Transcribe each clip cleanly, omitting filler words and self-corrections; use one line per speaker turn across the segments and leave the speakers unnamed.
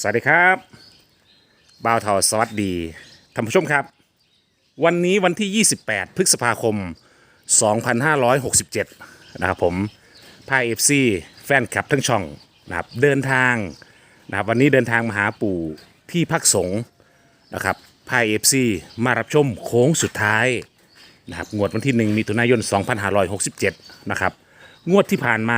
สวัสดีครับบ่าวเทาสวัสดีท่านผู้ชมครับวันนี้วันที่ 28 พฤษภาคม 2567 นะครับผมพาเอฟซีแฟนคลับทั้งช่องนะครับเดินทางนะครับวันนี้เดินทางมาหาปู่ที่พักสงฆ์นะครับพาเอฟซีมารับชมโค้งสุดท้ายนะครับงวดวันที่ 1 มิถุนายน 2567 นะครับงวดที่ผ่านมา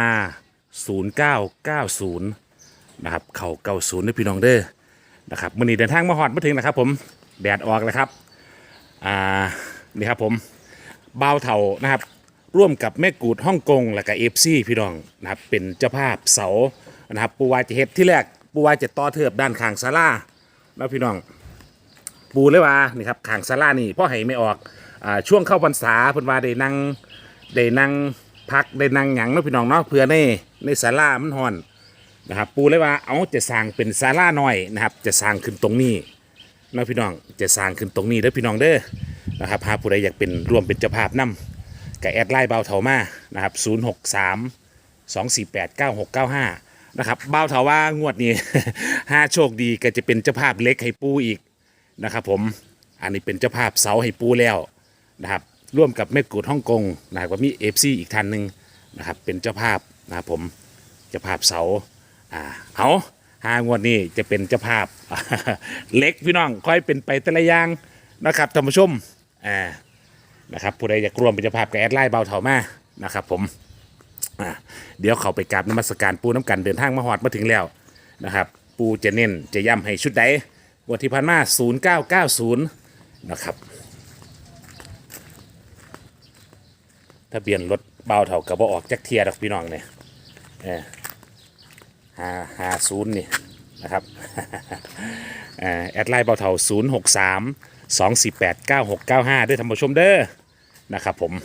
0990 นะครับเข่า90ด้วยพี่น้องเด้อนะครับมื่อนี้เดินทางมาฮอดมาถึงนะครับผมแดดออกแล้วครับนี่ครับผมบ่าวเถานะครับร่วมกับแม่กูดฮ่องกงและกับเอฟซีพี่น้องนะครับเป็นเจ้าภาพเสานะครับปูวาจะเฮ็ดที่แรกปูวาจะต่อเทิบด้านข้างศาลาแล้วพี่น้องปูเลยว่านี่ครับข้างศาลานี่พ่อให้ไม่ออกช่วงเข้าพรรษาเพิ่นว่าได้นั่งพักได้นั่งหยังเนาะพี่น้องเนาะเพื่อในศาลามันฮ้อนนะครับปูเลยว่าเอาจะสร้างเป็นศาลาหน่อยนะครับจะสร้างขึ้นตรงนี้นะพี่น้องจะสร้างขึ้นตรงนี้เด้อพี่น้องเด้อนะครับหากผู้ใดอยากเป็นร่วมเป็นเจ้าภาพนํกับแอดไลน์บ่าวเถามานะครับ063 248 9695นะครับบ่าวเถาว่างวดนี้ ห้าโชคดีก็จะเป็นเจ้าภาพเล็กให้ปูอีกนะครับผมอันนี้เป็นเจ้าภาพเสาให้ปูแล้วนะครับร่วมกับแม่กูดฮ่องกงนะครับก็มีเอฟซีอีกท่านหนึ่งนะครับเป็นเจ้าภาพนะครับผมเจ้าภาพเสาเอา5 งวดนี้จะเป็นเจ้าภาพ เล็กพี่น้องค่อยเป็นไปแต่ละอย่างนะครับท่านผู้ชมนะครับผู้ใดอยากร่วมเป็นเจ้าภาพกับแอดไลน์เบาเถามานะครับผมเดี๋ยวเขาไปกราบนมัสการปูน้ำกันเดินทางมาฮอดมาถึงแล้วนะครับปูจะเน้นจะย้ำให้ชุดใดงวดที่ผ่านมา0990นะครับทะเบียนรถเบาเถากับบ่ออกจักเทียดอกพี่น้องเนี่ย50นี่นะครับแอดไลน์เบาเถา063 248 9695ด้วยท่านผู้ชมเด้อนะครับผม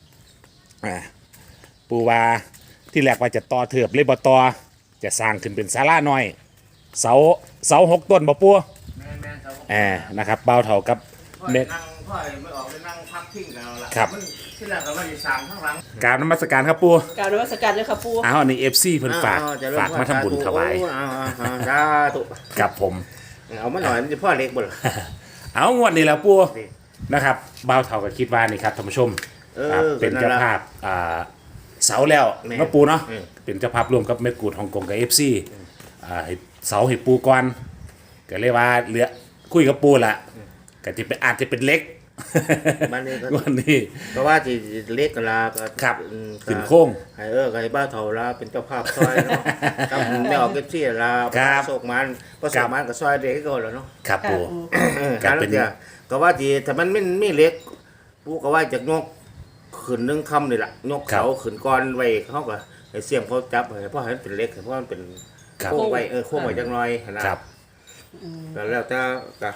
ปูว่าที่แรกว่าจะต่อเถือบเลยบ่ต่อจะสร้างขึ้นเป็นศาลาหน่อยเสา6 ต้นบ่ปูนะครับเบาเถากับ
เด็กนั่งพ่อไม่ออกเลยนั่งพักทิ้งแล้วล่ะ
ครับ
ที่แรกก็ว่าจะสั่งข้างหลัง
กราบนมัสการครับปู
กราบนมัสการเลยครับปู
อันนี้ FC เพิ่นฝากมาทำบุญถวายครับผม
เอามาหน่อยพ่อเล็กบ่ล่ะ
เอางวดนี้แล้วปูนะครับบ่าวเฒ่าก็คิดว่านี่ครับท่านผู้ชมเป็นเจ้าภาพเสาแล้วเนาะปูเนาะเป็นเจ้าภาพร่วมกับแม่กูดฮ่องกงกับ FC เสาให้ปูก่อนก็เลยว่าเหลือคุยกับปูล่ะก็จะเป็นอาจจะเป็นเล็กวันนี้
ก็ว่าที่เล็กกันละ
ครับขึ้นโค้ง
ให้บ้าเฒ่าละเป็นเจ้าภาพซอยเนาะครับไม่ออกเก็บที่ละโศกมันก็โศกมันก็ซอยเด็กก็แล้วเนาะ
ครับปู
การเป็นก็ว่าที่ถ้ามันไม่เล็กปูก็ว่าจากยกขึ้นนึงคำนี่แหละยกเขาขึ้นก้อนไว้เขาก็ให้เสี่ยงเขาจับเพราะให้เป็นเล็กเพราะมันเป็นโค้งไว้โค้งไว้จังน้อยนะครับแล้วแต่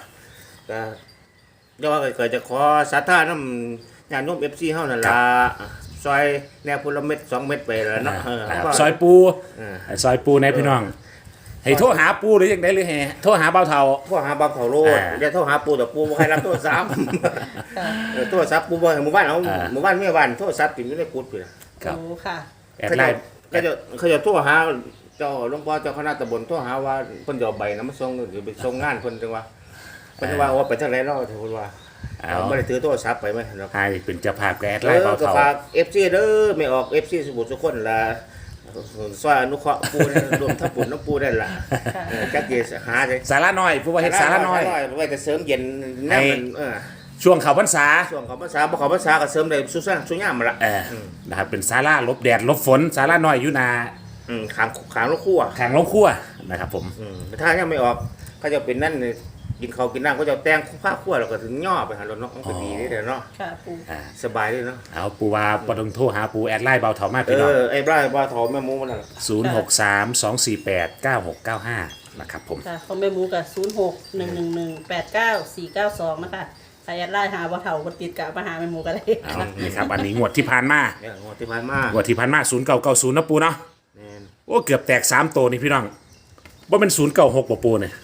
เดี๋ยวว่าเกิดจะขอสาธารณญาณโยม FC เฮานั่นล่ะซอยแนวพุละเม็ด2 เม็ดไปแล้วเนาะ
ซอยปูในพี่น้องให้โทรหาปูหรือจังได๋หรือให้โทรหาเบาเฒ่า
โทรหาเบาเฒ่าโลดอย่าโทรหาปูแต่ปูบ่ให้รับโทรศัพท์โทรศัพท์ปูบ่ให้หมู่บ้านเอาหมู่บ้านแม่บ้านโทรศัพท์ติดอยู่ในกุฏิพุ่น
ครับค่ะ
แอดไลน์
เขาจะโทรหาเจ้าหลวงพ่อเจ้าคณะตำบลโทรหาว่าเพิ่นจะเอาใบนำมาส่งหรือไปส่งงานเพิ่นจังว่าเพิ่นว่าไปทางไหนเนาะเพิ่นว่าไม่ได้ถือโทรศัพท์ไปมั้ยเนาะ
ให้เป็นเจ้าภาพแอดไลน์เบาเฒ่า
ฝาก FC เด้อไม่ออก FC สมุทรสาครล่ะซอยอนุเคราะห์ปูรวมทับบุญน้ำปูได้ล่ะจักสิหาได้
ศาลาน้อยปูว่าเฮ็ดศาลาน้อย
ไว้แต่เสริมเย็นแนวมัน
ช่วงเข้าพรรษา
บ่เข้าพรรษาก็เสริมได้สุยามมาละ
นะครับเป็นศาลาหลบแดดหลบฝนศาลาน้อยอยู่นา
ขางโรงครัว
นะครับผม
ถ้ายังไม่ออกก็จะเป็นนั่นกินข้าวกินน้ำก็จะแต่งผ้าคั่วแล้วก็ถึงย่อไปหารถเนาะมันก็ดีนี่แหละเนาะ
ค่ะปู
สบายเลยเนาะ
เอาปูว่าบ่ต้องโทรหาปูแอดไลน์เบาเฒ่ามาพี่น้อง
ไอ้ไลน์เบาเฒ่าแม่หมูมันน่ะ
063 248 9695นะครับผม
ค่ะของแม่หมูก็0611189492นะคะถ้าแอดไลน์หาเบาเฒ่าก็ติดกับมาหาแม่หมูก็ได้
นี่ครับอันนี้งวดที่ผ่านมา0990นะปูเนาะโอ้เกือบแตก3ตัวนี่พี่น้องบ่เป็น096บ่ปูเนี่ย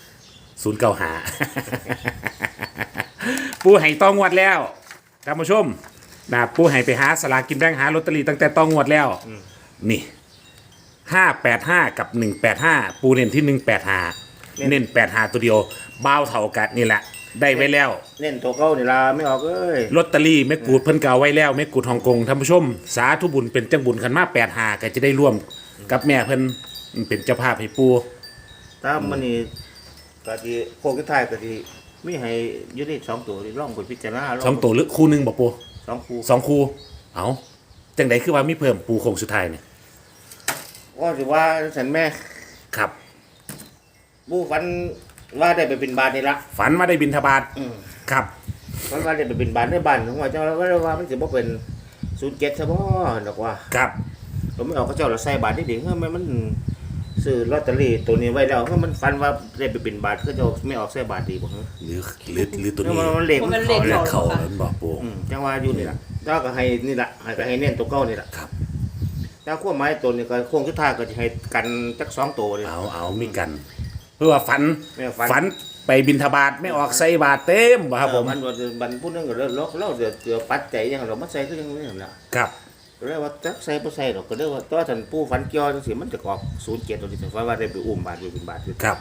095ปูให้ต้องงวดแล้วท่านผู้ชมนะปูให้ไปหาสลากกินแบ่งหาลอตเตอรี่ตั้งแต่ต้องงวดแล้วนี่585กับ185ปูเน้นที่185 เน้น85ตัวเดียวบ่าวเท่ากันนี่แหละได้ไว้แล้ว
เน้นตัวเก่านี่ล่ะไม่ออกเอ้ย
ลอตเตอรี่แม่กูดเพิ่นก็เอาไว้แล้วแม่กูดฮ่องกงท่านผู้ชมสาธุบุญเป็นจังบุญคันมา85ก็จะได้ร่วมกับแม่เพิ่นเป็นเจ้าภาพให้ปู่
ถ้ามันนี่ก็สิโคกสุดท้ายก็สิมีให้อยู่นี่2ตัวนี่ลองไปพิจารณาล
สองตัวหรือคู่หนึงบ่ปู่
2คู่
สองคู่เอาจังไดคือว่ามีเพิ่มปู่โคงสุดท้ายนี่
ว่าสิว่าฉันแม่
ครับ
ผู้ฝันว่าได้ไปบินบาทนี่ละ
ฝันว่าได้บิณฑบาต
อืม
ครับ
ฝันว่าได้ไปบินบาทในบ้านของว่าเจ้าแล้วว่ามันสิบ่เป็น07ซะบ่ดอกว่า
ครับ
ผมไม่ออกเขาเจ้าละใส่บาทนี่ดิเฮ้ยมันซื้อลอตเตอรี่ตัวนี้ไว้แล้วเฮ้ยมันฝันว่าได้ไปบินบาทเขาเจ้าไม่ออกใส่บาทดีบ่เฮ้ย
หรือตัวนี้
มันเลข
มัน
มัน
เล
เข้า
ข
แล้ว
เขาแล้วบอกปู่
จังว่าอยู่นี่ล่ะเจ้าก็ให้นี่ล่ะให้ก็ให้เน้นตัวเก่านี่ล่ะ
ครับ
แล้วขั้วไม้ตัวนี้ก็โค้งสุดท้ายก็จะให้กันจัก2ตัวนี่
เอามีกัน เพื่อว่าฝัน
แม่ฝัน
ฝันไปบิณฑบาตไม่ออกใส่บาตรเต็มบ่ครับผม
มันบันพูดนึงก็เราเดี๋ยวปัดใจยังเรามาใส่ก็ยังนี่ล่ะ
ครับ
ก็เลยว่าจักใส่บ่ใส่ดอกก็เลยว่าตัวท่านผู้ฝันเกี่ยวจังซี่มันจะออก07ตัวนี้แต่ว่าได้ไปอุ้มบาทไปบินบาทอยู่
ครับ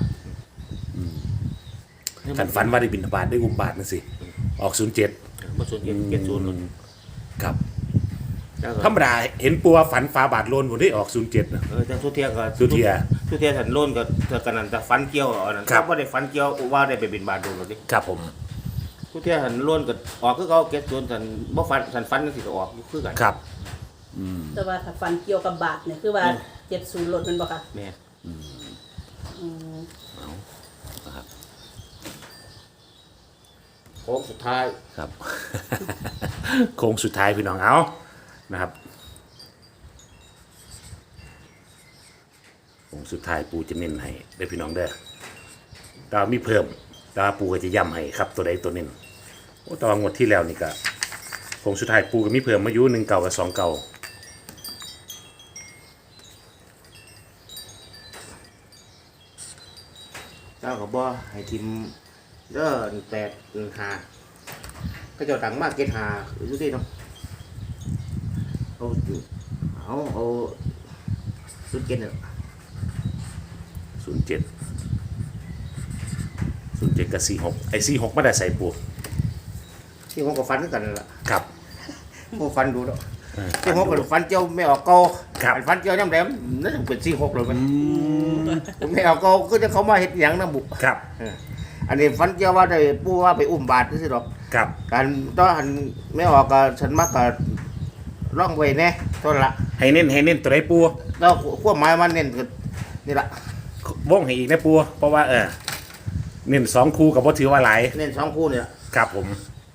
ขันฝันว่าได้บิณฑบาตได้อุมบาทนั่นสิออก07
บ่07 70นู่น
ครับ
แล้วก็
ธรรมดาเห็นปัวฝันฟ้าบาทโลนผมได้ออก07นะ
จังทุเทียก็
ทุเทีย
ทุเทียท่านโล้นก็เท่ากันนั่นแต่ฝันเกี่ยวอันนั้น
ครับ
บ่ได้ฝันเกี่ยวว่าได้ไปบินบาทโดนหรอกดิ
ครับผม
ทุเทียท่านโล้นก็ออกคือเขา70ท่านบ่ฝันท่านฝันจังซี่ก็ออกอยู่คือกัน
ครับ
แต่ว่าถ้าฟันเกี่ยวกับบาทเนี่ยคือว่า70ลดมันบ่ค่ะ
แม่
อืม
โค้งสุดท้าย
ครับ โค้งสุดท้ายพี่น้องเอานะครับโค้งสุดท้ายปูจะเน้นให้ได้อพี่น้องเด้อแต่ว่ามีเพิ่มแต่ว่าปูก็จะย้ำให้ครับตัวใดตัวหนึ่งโอ้แตว่างวดที่แล้วนี่ก็โค้งสุดท้ายปูก็มีเพิ่มมาอยู่1 เก่ากับ2 เก่า
เจ้าก็บ่ให้ทีมเด้อ8 5ก็เจ้าตังมากเก็ต5อยู่ที่เนาะเอาสุดเก็ตเนี่ย
07 07กับ46ไอ้46มาได้ใส่ปู
ที่ผมก็ฟันคือกันนั่นล่ะ
ครับ
ผมฟันดูแล้วที่ผมก็ฟันเจ้าไม่ออกเก่า
ครับ
ฟันเจ้าย่ำแหลมนั่นเป็น46เลยมันผมไม่ออกเก่าคือจะเขามาเฮ็ดหยังนำบุ
ครับ
อันนี้ฟันเจ้าว่าได้ปู่ว่าไปอุ้มบาทซื่อๆดอก
ครับ
การต้องหันไม่ออกก็ฉันมักก็ร่องไว้แน่ต้นละ
ให้เน้นตัวใดปู
แล้วขั้วไม้มันเน้นคือนี่ละ
วงให้อีกนะปูเพราะว่าเน้น2 คู่กับว่าถือว่าหลาย
เน้น2คู่นี่ละ
ครับผม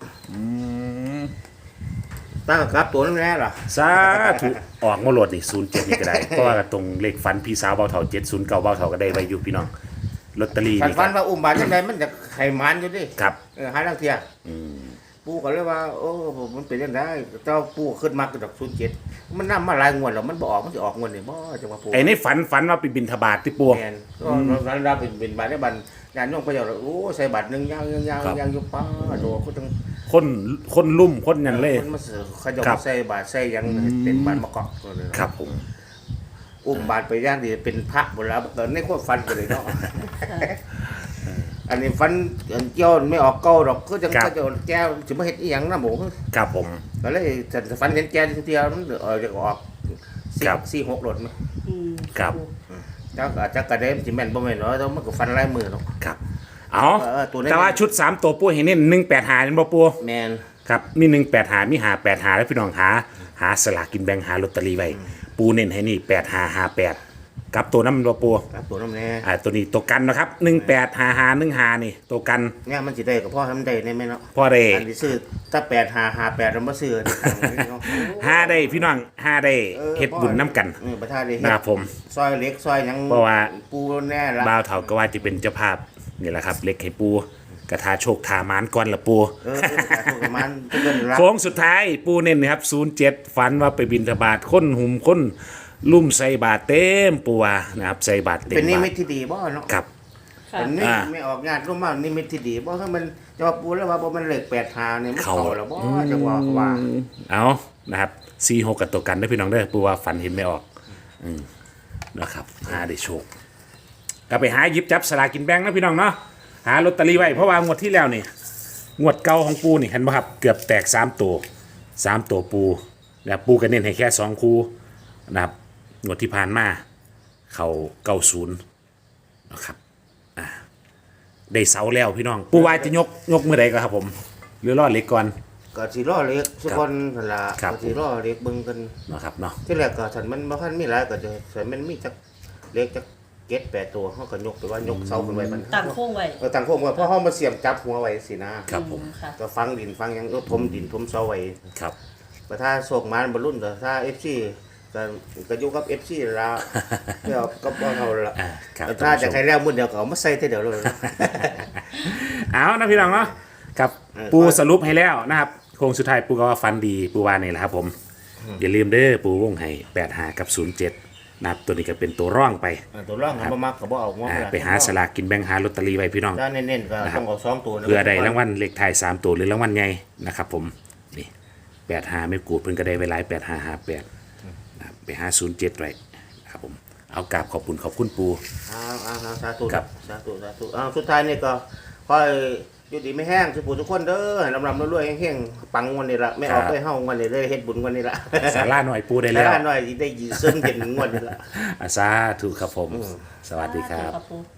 ตั้งกับตัวนั่นแน่ล่ะ
สาธุออกมาโหลดนี่07นี่ก็ได้ เพราะว่าตรงเลขฝันพี่สาวเบาเท่า709เบาเท่าก็ได้ไว้อยู่พี่น้องลอตเตอรี่
คัน
นี่
ฟั
ก็
นว่าอุ้มบาทจังไดมันจะไขมันอยู่ดิ
ครับ
หาลังเทียปู่ก็เลยว่าโอ้มันเป็นจังไดเจ้าปู่ขึ้นมากระดอก07มันนำมาหลายงวดแล้วมันบ่ออกมันสิออกงวดนี่บ่จังว่าปู่
ไอ้ในฝันว่าไปบินทบาทที่ปัว
แม่นก็นั้นเราเป็นบาทได้บันญาติโยมพระเจ้าโอ้ใส่บาทนึงยางอยู่ป้าโดก็ต้อง
คนลุ่มคนยันเล่
คนมาเสือเขาจะ
ครั
มา
บ
ใส่บาทใส่หยังเป็นบาทมะกอกก็เลย
ครับผม
อุ้มบาทไปย่างดีเป็นพระหมดแล้วตอนนี้ก็ฟันกันเลยเนาะอันนี้ฟันเกี่ยวไม่ออกเก้าดอกก็จะก็จะแก้วจะมาเฮ็ดอีหยังนะหมู
ครับผม
ก็เลยฉันฟันเห็นแก้วเดียวมันจะออก
ครับ
4-6หลดมั้ย
อืม
ครับ
จักอาจจะกระเด็นสิแม่นบ่แม่นเนาะแต่มันก็ฟันลายมือเนาะ
ครับเอา
ตัวนี้
แต่ว่าชุด3ตัวปัวเห็นเน้น185นี่บ่ปัว
แม่น
ครับมี185มี585แล้วพี่น้องหาสลากกินแบ่งหาลอตเตอรี่ไว้ปูเน้นให้นี่8558กับตัวน้ำบ่ปัว
ครับตัวน้ำแน่
ตัวนี้ตัวกันนะครับ185515นี่ตัวกัน
เนี่ยมันสิได้กับพ่อทำได้แม่เนาะ
พ่อได้
อันนี้ซื้อถ้า8558เราบ่ซื้อเนาะ
หาได้พี่น้องหาได้เฮ็ดบุญน้ำกัน
ประทานได้เฮ็
นะครับผม
ซอยเล็กซอยหยัง
เพราะว่า
ปูแน่ละ
บ่าวเฒ่าก็ว่าจะเป็นเจ้าภาพนี่แหละครับเล็กให้ปูกระทาโชคทามานก่อนละปู
ถูกประมาณเกินละ
โค้งสุดท้ายปูเน้นนะครับ07ฝันว่าไปบิณฑบาตคนหุ่มคนลุ่มใส่บาตรเต็มปูว่านะครับใส่บาตรเต็ม
เป็นนิ
บา
มิ
ต
ต
ร
ที่ดีบ่เนาะ
ครับ
ค่ะ
เป็นนิมิตไม่ออกงานร่วมมานิมิตที่ดีบ่ถ้ามันจะว่าปูแล้วว่าบ่มันเลข85เนี่ยมันเข้าแล้วบ่จะว่า
เอานะครับ46กับตัวกันได้อพี่น้องเด้อปูว่าฝันเห็นไม่ออกนะครับหาได้โชคก็ไปหาหยิบจับสลากกินแบ่งนะพี่น้องเนาะหาลอตเตอรี่ไว้เพราะว่างวดที่แล้วนี่งวดเก่าของปูนี่เห็นป่ะครับเกือบแตก3 ตัวปูแล้วปูก็เน้นให้แค่2คู่นะครับงวดที่ผ่านมาเขา90นะครับได้เสาแล้วพี่น้องปูวายจะยกเมื่อใดก็ครับผมหรือรอดเล็กก่อน
ก็สิรอเล็กสักคนนั่นล่ะ
ครับ
ก็สิรอเล็กเบิ่งกัน
นะครับเนาะ
ที่แรกก็ฉันมันบ่ทันมีหลายก็จะฉันมันมีจักเล็กจัก7-8ตัวเฮาก็ยกไปว่ายกเสาขึ้นไว้มัน
ตั้งโค้งไว้
ตั้งโค้งไว้เพราะเฮามาเสียมจับหัวไว้สินะครับ
ผม
ค่ะ
ก็ฟังดินฟังหยังก็ถมดินถมเสาไว้
ครับ
แต่ถ้าโศกมันบ่รุ่นก็ถ้า FC ก็อยู่กับ FC ละไม่เอาก็บ่เอาละ
ครับ
แต่ถ้าจะใครแล้วมื้อเดียวก็เอามาใส่เท่าเดียวเลย
เอานะพี่น้องเนาะครับ ปูสรุปให้แล้วนะครับโค้งสุดท้ายปูก็ว่าฟันดีปูว่านี่แหละครับผมอย่าลืมเด้อปูวงให้85กับ07นะครับตัวนี้ก็เป็นตัวร่องไป
ตัวร่างมันบ่มักก็บ่เอางอ
ไปหาสลากกินแบ่งหาลอตเตอรี่ไว้พี่น้อง
ถ้าเน้นๆก็ต้องเอา2ตัวนะ
เพื่อได้รางวัลเลขท้าย3ตัวหรือรางวัลใหญ่นะครับผมนี่85ไม่กูดเพิ่นก็ได้ไว้หลาย8558นะครับไปหา07ไว้นะครับผมเอากราบขอบคุณปู
สาธุ
ครับ
สาธุสุดท้ายนี่ก็ค่อยอยู่ดีไม่แห้งสุขทุกคนเด้อให้ลำๆรวยๆแห้งๆปังวันนี้ละไม่เอาไปเฮาวันนี้เลยเฮ็ดบุญวันนี้ละ
สาราหน่อยปูได้แล้ว
หน่อยได้ยืนซึมเย็นงวดนี้ละ
สาธุครับผม สวัสดีครับ
ขอบคุณ